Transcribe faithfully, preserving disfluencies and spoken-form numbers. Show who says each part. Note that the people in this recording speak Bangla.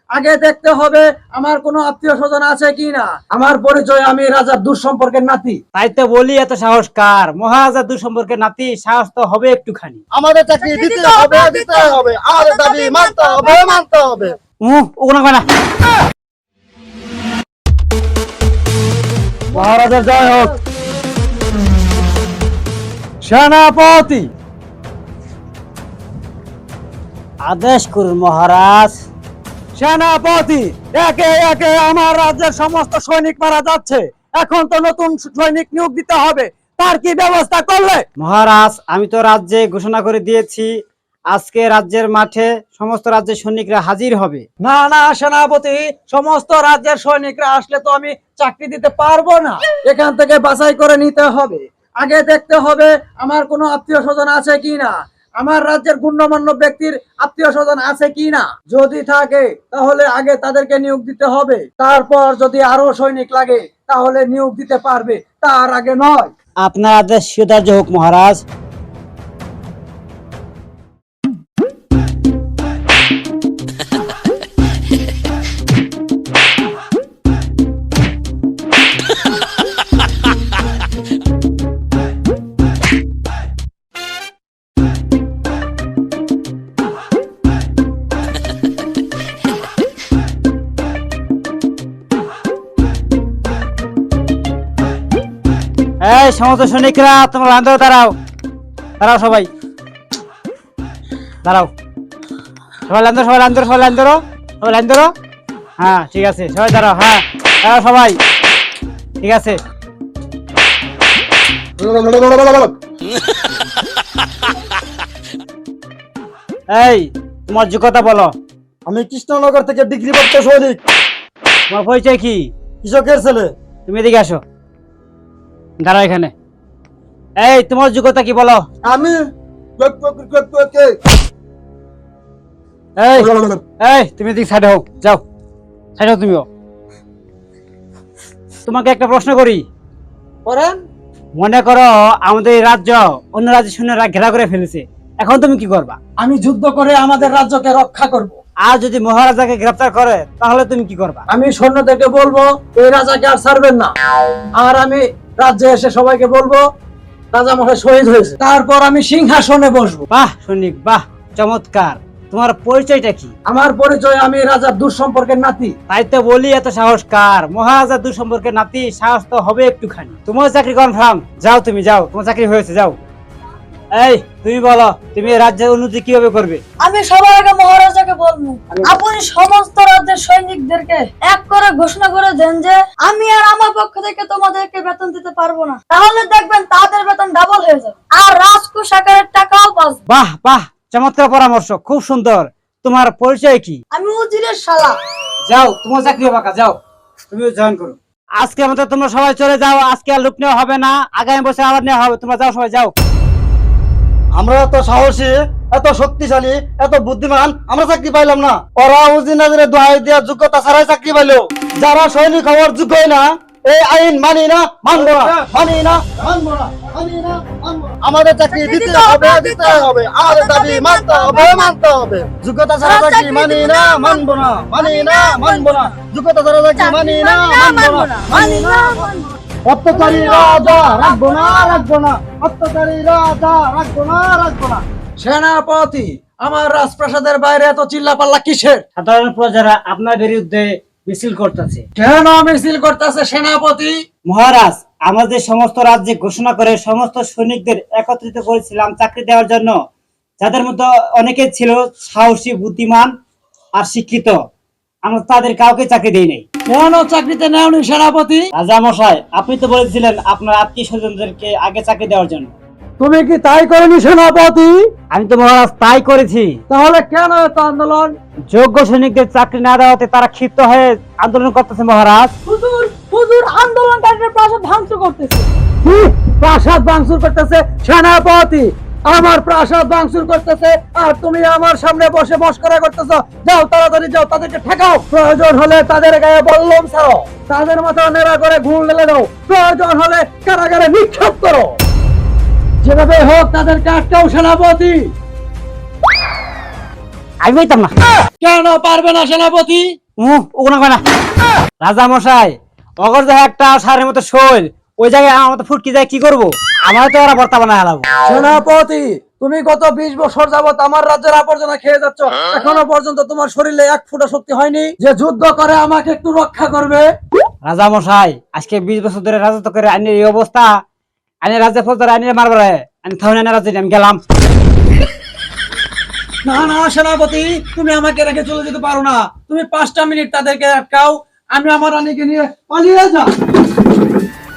Speaker 1: আগে দেখতে হবে আমার কোনো আত্মীয় স্বজন আছে কিনা। আমার পরিচয় আমি রাজার দূর সম্পর্কের নাতি।
Speaker 2: তাই তো বলি এত সাহস কার? মহারাজা দূর সম্পর্কের নাতি, সাহস তো হবে একটুখানি।
Speaker 3: আমাদের চাকরি দিতে হবে দিতে হবে, আমাদের দাবি মানতে হবে মানতে হবে।
Speaker 2: উহ, ওগুলো কয় না।
Speaker 1: মহারাজা জয় হোক। সেনাপতি
Speaker 2: আদেশ করুন মহারাজ।
Speaker 1: সেনাপতি একে একে আমার রাজ্যের সমস্ত সৈনিক মারা যাচ্ছে, এখন তো নতুন সৈনিক নিয়োগ দিতে হবে, তার কি ব্যবস্থা করলে?
Speaker 2: মহারাজ আমি তো রাজ্যে ঘোষণা করে দিয়েছি, আজকে রাজ্যের মাঠে সমস্ত রাজ্যের সৈনিকরা হাজির হবে।
Speaker 1: না না সেনাপতি, সমস্ত রাজ্যের সৈনিকরা আসলে তো আমি চাকরি দিতে পারবো না, এখান থেকে বাছাই করে নিতে হবে। আগে দেখতে হবে আমার কোনো আত্মীয় স্বজন আছে কিনা, আমার রাজ্যের গণ্যমান্য ব্যক্তির আত্মীয় স্বজন আছে কিনা। যদি থাকে তাহলে আগে তাদেরকে নিয়োগ দিতে হবে, তারপর যদি আরো সৈনিক লাগে তাহলে নিয়োগ দিতে পারবে, তার আগে নয়।
Speaker 2: আপনার আদেশ সুধার্য হোক মহারাজ। এই সমস্ত সৈনিকরা তোমরা লাইন ধরো, দাঁড়াও দাঁড়াও সবাই দাঁড়াও, সবাই লাইন ধরো, সবাই লাইন ধরো, সবাই লাইন ধরো, সবাই লাইন ধরো। হ্যাঁ ঠিক আছে, সবাই দাঁড়াও। হ্যাঁ দাঁড়াও সবাই, ঠিক আছে। এই তোমার যোগ্যতা বলো।
Speaker 3: আমি কৃষ্ণনগর থেকে ডিগ্রি প্রাপ্ত সৈনিক।
Speaker 2: তোমার পরিচয় কি?
Speaker 3: কৃষকের ছেলে।
Speaker 2: তুমি এদিকে আসো, দাঁড়াও এখানে। এই তোমার যোগ্যতা কি বলো?
Speaker 3: আমি
Speaker 2: এই এই তুমি এদিকে সাইড হও, যাও সাইড হও তুমিও। তোমাকে একটা প্রশ্ন করি।
Speaker 1: করেন।
Speaker 2: মনে করো আমাদের এই রাজ্য অন্য রাজ্যের সৈন্যরা ঘেরা করে ফেলেছে, এখন তুমি কি করবা?
Speaker 1: আমি যুদ্ধ করে আমাদের রাজ্যকে রক্ষা করব।
Speaker 2: আর যদি মহারাজাকে গ্রেফতার করে তাহলে তুমি কি করবা?
Speaker 1: আমি সৈন্যদেরকে বলবো এই রাজাকে আর ছাড়বেন না, আর আমি রাজ্যে এসে সবাইকে বলবো রাজা মশাই শহীদ হয়েছে, তারপর আমি সিংহাসনে বসবো।
Speaker 2: বাহ সৈনিক, বাহ চমৎকার। তোমার পরিচয়টা কি?
Speaker 1: আমার পরিচয় আমি রাজার দূর সম্পর্কের নাতি।
Speaker 2: তাই তো বলি এত সাহস কার? মহারাজা দূর সম্পর্কের নাতি, সাহস তো হবে একটুখানি। তোমার চাকরি কনফার্ম, যাও তুমি যাও, তোমার চাকরি হয়েছে, যাও। এই তুমি বলো, তুমি এই রাজ্যের উন্নতি কিভাবে করবে?
Speaker 4: আমি সবার আগে মহারাজাকে বলবো আপনি সমস্ত রাজ্যের সৈনিকদেরকে এক করে ঘোষণা করে দেন যে আমি আর আমার পক্ষ থেকে তোমাদেরকে বেতন দিতে পারবো না, তাহলে দেখবেন তাদের বেতন ডাবল হয়ে যাবে আর রাজকোষ আকারের টাকাও পাবে।
Speaker 2: বাহ বাহ চমৎকার পরামর্শ, খুব সুন্দর। তোমার পরিচয় কি?
Speaker 4: আমি উজিরের শালা।
Speaker 2: যাও তোমার চাকরি হবে, যাও তুমিও জয়েন করো। আজকে আমাদের তোমরা সবাই চলে যাও, আজকে আর লুক নেওয়া হবে না, আগামী বছর আবার নেওয়া হবে। তোমরা যাও, সবাই যাও।
Speaker 3: আমরা এত সাহসী, এত শক্তিশালী, এত বুদ্ধিমান, আমরা চাকরি পাইলাম না। ওরা উজিনাদের দোহাই দেওয়ার যোগ্যতা ছাড়াই চাকরি পাইলো। যারা সৈনিক হওয়ার যোগ্যই না, এই আইন মানি না, মানবো না, মানি না, মানবো না, মানি না, মানবো না। আমাদের চাকরি দিতে হবে দিতে হবে, আমাদের দাবি মানতে হবে মানতে হবে। যোগ্যতা ছাড়া চাকরি মানি না, মানবো না, মানি না, মানবো না। যোগ্যতা ছাড়া চাকরি মানি না, মানবো না, মানি না, মানবো না। অত্যাচারী রাজা রাখবো না, রাখবো না। অত্যাচারী রাজা রাখবো না, রাখবো না।
Speaker 1: সেনাপতি, আমার রাজপ্রাসাদের বাইরে এত চিল্লাপাল্লা কিসের?
Speaker 2: সাধারণ প্রজারা আপনার বিরুদ্ধে মিছিল করতেছে।
Speaker 1: কেন মিছিল করতেছে সেনাপতি?
Speaker 2: মহারাজ আমাদের সমস্ত রাজ্যে ঘোষণা করে সমস্ত সৈনিকদের একত্রিত করেছিলাম চাকরি দেওয়ার জন্য, যাদের মধ্যে অনেকে ছিল সাহসী, বুদ্ধিমান আর শিক্ষিত। আমরা তাদের কাউকে চাকরি দেই নাই।
Speaker 1: কেন চাকরিতে নেওনি সেনাপতি?
Speaker 2: রাজা মশাই আপনি তো বলেছিলেন আপনার আত্মীয় স্বজনদেরকে আগে চাকরি দেওয়ার জন্য।
Speaker 1: তুমি কি তাই করনি সেনাপতি?
Speaker 2: আমি তো মহারাজ তাই করেছি।
Speaker 1: তাহলে কেন এত আন্দোলন?
Speaker 2: যোগ্য সৈনিকদের চাকরি না দেওয়াতে তারা ক্ষিপ্ত হয়ে আন্দোলন করতেছে মহারাজ।
Speaker 4: হুজুর হুজুর আন্দোলনকারীরা প্রাসাদ ভাঙচুর করতেছে।
Speaker 1: কি? প্রাসাদ ভাঙচুর করতেছে? সেনাপতি আমার প্রাসাদ ভাঙচুর করতেছে আর তুমি আমার সামনে বসে মশকরা করতেছো। যাও তাড়াতাড়ি যাও, তাদেরকে ঠেকাও, প্রয়োজন হলে তাদের গায়ে বল্লম ছাড়ো, তাদের মাথা নেড়া করে ঘুর ঢেলে দাও, প্রয়োজন হলে কারাগারে নিক্ষেপ করো, যেভাবে হোক তাদেরকে আটকাও সেনাপতি।
Speaker 2: আমি পাইতাম না।
Speaker 1: কেন পারবে না সেনাপতি?
Speaker 2: উহ, ওগুলো কয় না। রাজা মশাই, অগর যে একটা সারের মতো শৈল, ওই জায়গায় আমার মতো ফুটকি যায় কি করবো? আমার তো ওরা বর্তা বানায় হালাবো।
Speaker 1: সেনাপতি, তুমি গত বিশ বছর যাবত আমার রাজ্যের আবর্জনা খেয়ে যাচ্ছ, এখনো পর্যন্ত তোমার শরীরে এক ফুটা শক্তি হয়নি যে যুদ্ধ করে আমাকে একটু রক্ষা করবে।
Speaker 2: রাজা মশাই, আজকে বিশ বছর ধরে রাজত্ব করে আইনের এই অবস্থা, আইনের রাজ্যে ফৌজদার আইনের মারবারে আমি থাউন রাজ্যে আমি গেলাম।
Speaker 1: না না সেনাপতি, তুমি আমাকে রেখে চলে যেতে পারো না। তুমি পাঁচটা মিনিট তাদেরকে আটকাও, আমি আমার রানীকে নিয়ে পালিয়ে যাই।